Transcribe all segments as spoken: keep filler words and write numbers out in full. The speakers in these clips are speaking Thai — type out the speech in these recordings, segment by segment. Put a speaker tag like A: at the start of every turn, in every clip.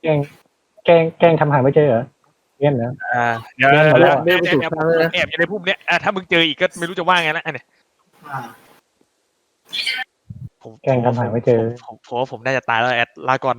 A: ล้งแกล้งแกล้งทำหาไม่เจอเหรอเงี้ยนะ
B: อ่าเดี๋ยวเดี๋ยวเดี๋ยวแอบอยู่ในพุ่มเนี้ยถ้ามึงเจออีกก็ไม่รู้จะว่าไงแล้วเนี่ยผมแกล้งทำหาไม่เจอผมผมว่าผมน่าจะตายแล้วแอดลาก่อน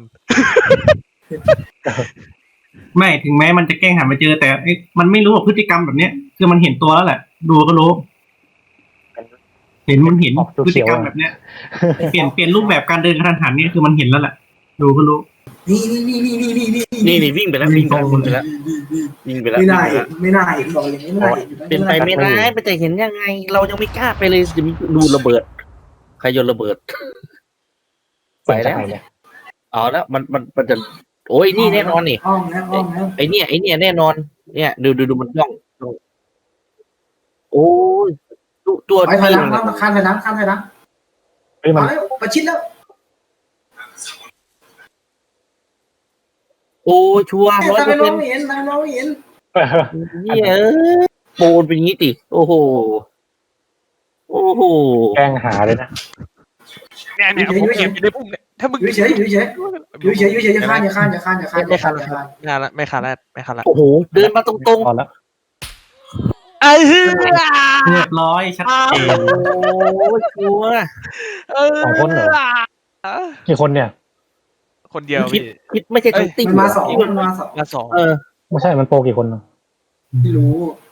C: ไม่ถึงแม้มันจะแกล้งหาไม่เจอแต่มันไม่รู้ว่าพฤติกรรมแบบเนี้ยคือมันเห็นตัวแล้วแหละดูก็รู้เห็นมันเห็นพฤติกรรมแบบเนี้ยเปลี่ยนเปลี่ยนรูปแบบการเดินกระทันหันนี่คือมันเห็นแล้วแหละดูก็รู้
D: นี่นี่นี่นี่นี่นี่
E: นี่นี่วิ่งไปแล้ววิ่งไปแล้ววิ่งไปแล้ววิ่งไปแล้ว
D: ไม่ได้ไม่ได้บอกอย่างนี้ไม่ได้
E: เป็นไปไม่ได้มันจะเห็นยังไงเรายังไม่กล้าไปเลยจะมีดูระเบิดใครโยนระเบิดไปแล้วอ๋อแล้วมันมันมันจะโอ้ยนี่แน่นอนนี่ไอเนี่ยไอเนี่ยแน่นอนเนี่ยดูดูดูมันต้องโอ้ยตัว
D: ไปไทยน้ำข้ามไทยน้ำข้ามไทยน้ำไปประชิดแล้ว
E: โอ้ชัวร์ร้อยเปอร์เซ็นต์
D: เห็นเราเห็น
E: เนี่ยโปนเป็นงี้ติโอ้โหโอ้โห
A: แกล้งหาเลยนะ
B: เนี่ยเนี่ยผมเก็บอยู่ในพุ่มเนี่ยถ้ามึง
D: อยู่เฉยอยู่เฉยอยู่เฉยอยู่เฉยอย่าข้ามอย่าข้ามอย่าข้ามอย่าข้าม
B: ไม่ข้ามไม่ข้ามละไม่ข้ามละไม่ข้ามละ
E: โอ้โหเดินมาตรง
A: ๆแล้ว
B: ไอ้เหี้ย
C: เรียบร้อยชัดเจน
E: โอ้ชัวร์
A: สองคนเหรอกี่คนเนี่ย
B: คนเดียว
E: คิดคิดไม่ใช่ทั้งติ่ง
D: มันมาสองมันมาสอง
B: มาสอง
E: เออ
A: ไม่ใช่มันโปรกี่คนเนาะ
D: ไม่รู้